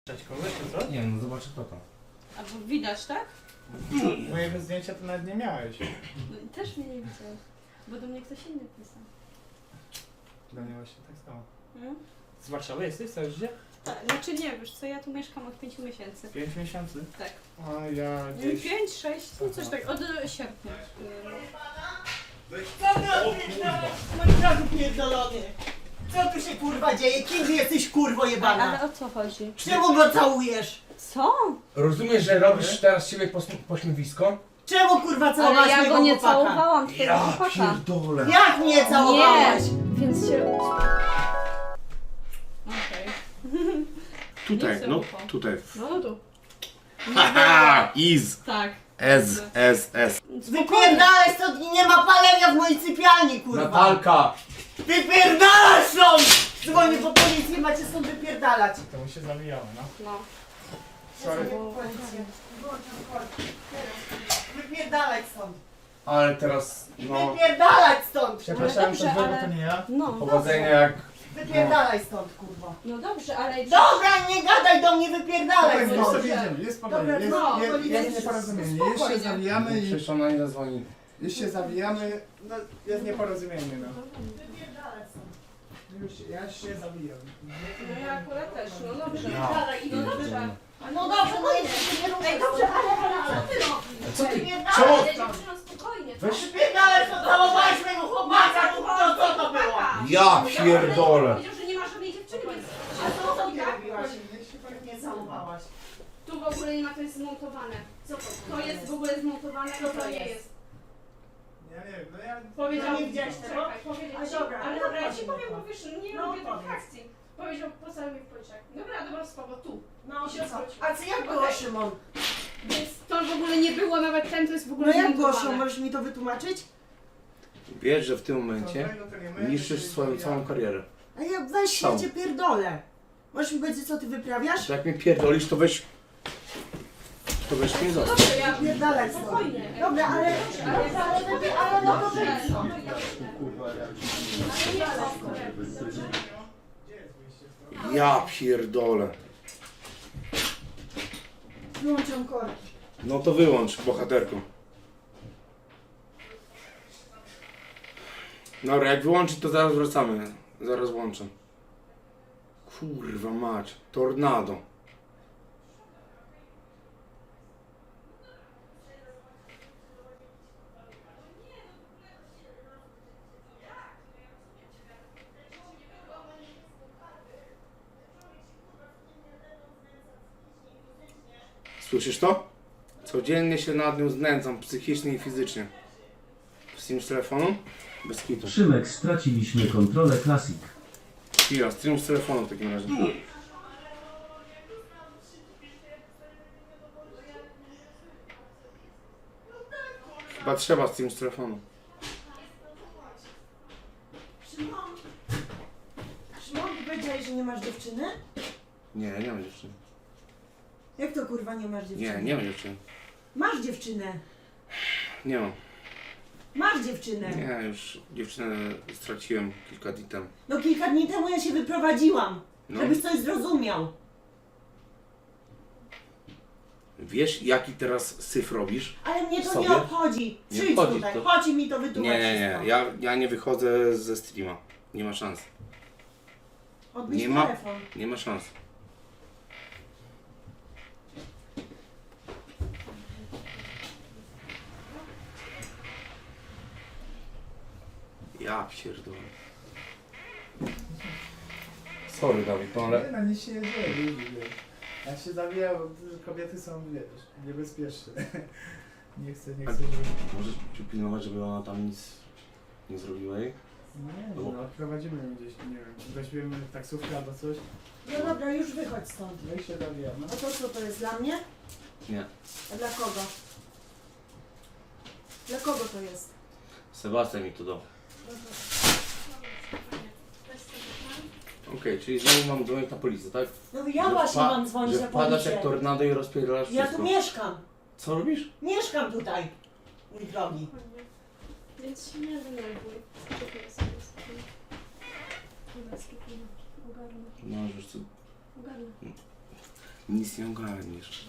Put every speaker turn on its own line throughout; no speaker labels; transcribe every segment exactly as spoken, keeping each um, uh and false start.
Cześć kogoś, czy co?
Nie no, zobaczę kto to.
Albo widać, tak?
Mojego zdjęcia to nawet nie miałeś.
No i też mnie nie widziałeś. Bo do mnie ktoś inny pisał.
Dla mnie właśnie tak samo.
Hmm?
Z Warszawy jesteś całe życie?
Tak, znaczy nie, wiesz co, ja tu mieszkam od pięciu miesięcy.
Pięć miesięcy?
Tak.
A ja gdzieś...
Pięć, sześć, no coś tak, od e, sierpnia.
Co ty odpierdalasz, maniaku pierdolony? Co tu się kurwa dzieje? Kim ty jesteś kurwo
Ale
jebana?
o co chodzi?
Czemu go całujesz?
Co?
Rozumiesz, że robisz teraz siebie pośm- pośmiewisko?
Czemu kurwa
Ale
całowałaś
ja
mojego
go nie
chłopaka?
całowałam, twojego chłopaka.
pierdolę.
Jak mnie całowałaś?
Nie, więc się... Okej.
Tutaj,
Nie
no
chcę ufał.
tutaj.
No, no tu.
Haha, is,
Tak.
S, S, S.
Wypierdalaj stąd i nie ma palenia w mojej sypialni kurwa!
Natalka!
Wypierdalaj stąd! Dzwonię po policję, macie stąd wypierdalać.
To mu się zawijało, no.
No.
Sorry.
Wypierdalać stąd!
Ale teraz, no...
Wypierdalać stąd!
Przepraszam,
dobrze,
to złego
ale-
to nie ja.
No,
Powodzenia jak...
Wypierdalaj stąd kurwa!
no dobrze, ale...
Dobra, nie gadaj do mnie, wypierdalaj
Spokojnie, już
stąd!
sobie jedziemy, jest spokojnie.
Dobra,
Jest,
no,
jest,
policja
jest
jest-
nieporozumienie. Już się
spokojnie.
zawijamy i...
Przecież ona nie zadzwoni.
Już się zawijamy, no jest nieporozumienie, no.
Wypierdalać stąd!
Już się, ja się zawijam.
No ja akurat też, no dobrze.
Wypierdalaj i
No dobrze.
No dobrze, no jeszcze nie ruszaj. Ej, dobrze, ale, ale, ale co ty robisz?
Co ty?
Wypierdalaj!
Dziewczyno, spokojnie.
Weź...
Wypierdalaj, co całowałaś mojego chłopaka! To co to było?
Ja pierdolę!
Powiedział, że nie ma żadnej dziewczyny, więc...
A co to ty robiłaś? Nie całowałaś.
Tu w ogóle nie ma, to jest zmontowane. Co to? To jest w ogóle zmontowane,
Co
to,
to
to nie
jest?
jest.
Ja nie wiem, no ja...
Powiedział,
No nie widziałeś tego?
czekaj, powiedział
A
ci,
dobra,
ale
no
dobra, ja
powiedz
ci
mi
powiem,
to.
bo wiesz, nie
No
lubię
powiedz.
tych akcji. Powiedział, postawił mnie w policzek. Dobra, dobra, spoko, tu.
No
I się
co?
odwrócił.
A co jak było,
Okej.
Szymon?
Więc to w ogóle nie było, nawet ten to jest w ogóle
No jak było,
zmontowane.
Szymon? Możesz mi to wytłumaczyć?
Wiesz, że w tym momencie
Złego to nie my,
niszczysz
to
swoją
ja.
całą karierę.
A ja weź się
Co?
cię pierdolę. Możesz mi powiedzieć, co ty wyprawiasz?
To jak mnie pierdolisz, to weź... To weź mnie zostaw.
Dobrze, ja...
Pierdalaj stąd.
Spokojnie.
Dobra, ale...
Ale-
Dobra, ale wypie- ale no to
Dobrze,
wyjdź stąd.
ale nie chcę.
Gdzie jest wyjście stąd?
Ja pierdolę.
Wyłączam korki.
No to wyłącz, bohaterko. Dobra, jak wyłączyć, to zaraz wracamy. Zaraz włączę. Kurwa mać. Tornado. Słyszysz to? Codziennie się nad nią znęcam, psychicznie i fizycznie. Stream z telefonu? Bez kitu.
Szymek, straciliśmy kontrolę Classic.
Chwila, stream z telefonu w takim razie. Chyba trzeba stream z telefonu.
Szymon? Szymon, ty powiedziałeś, że nie masz dziewczyny?
Nie, nie mam dziewczyny.
Jak to kurwa nie masz dziewczyny?
Nie, nie mam dziewczyny.
Masz dziewczynę.
Nie mam.
Masz dziewczynę.
Nie, już dziewczynę straciłem kilka dni temu.
No kilka dni temu ja się wyprowadziłam.
No.
Żebyś coś zrozumiał.
Wiesz, jaki teraz syf robisz?
Ale mnie to
Sobie?
nie obchodzi.
Nie
Przyjdź
obchodzi
tutaj,
to.
chodź i mi to
Nie,
wytłumacz
nie, nie.
wszystko.
Ja, ja nie wychodzę ze streama. Nie ma szans.
Odbierz
Nie ma-
telefon.
Nie ma szans. Ja pierdolę. Sorry, Dawid, no ale...
Nie, no nic się nie dzieje, ludzi, wiesz. Jak się zawija, bo kobiety są, wiesz, niebezpieczne. Nie chcę, nie
A-
chcę, żeby...
Możesz pilnować, żeby ona tam nic nie zrobiła jej?
Nie, no, odprowadzimy ją gdzieś, nie wiem, weźmiemy taksówkę albo coś,
No dobra, już wychodź stąd.
no i się zawijamy.
A to co to jest dla mnie?
Nie.
A dla kogo? Dla kogo to jest?
Sebastian mi to dał. Okej, czyli znowu mam dzwonić na policję, tak?
No ja
Że
właśnie
wpa-
mam dzwonić
że
na
wpadasz
policję.
jak tornado i rozpierdalasz
Ja
wszystko.
tu mieszkam.
Co robisz?
Mieszkam tutaj. Mój drogi.
Więc się nie denerwuj. Skupię sobie spokojnie. Dobra, spokojnie. Ogarnę.
No, już co...
Ogarnę.
Nic nie ogarniesz.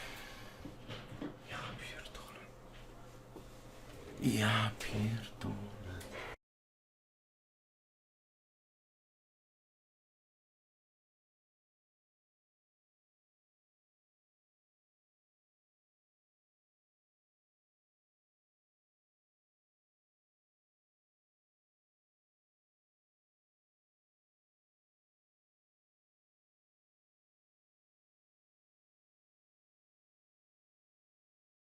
Ja pierdolę. Ja pierdolę.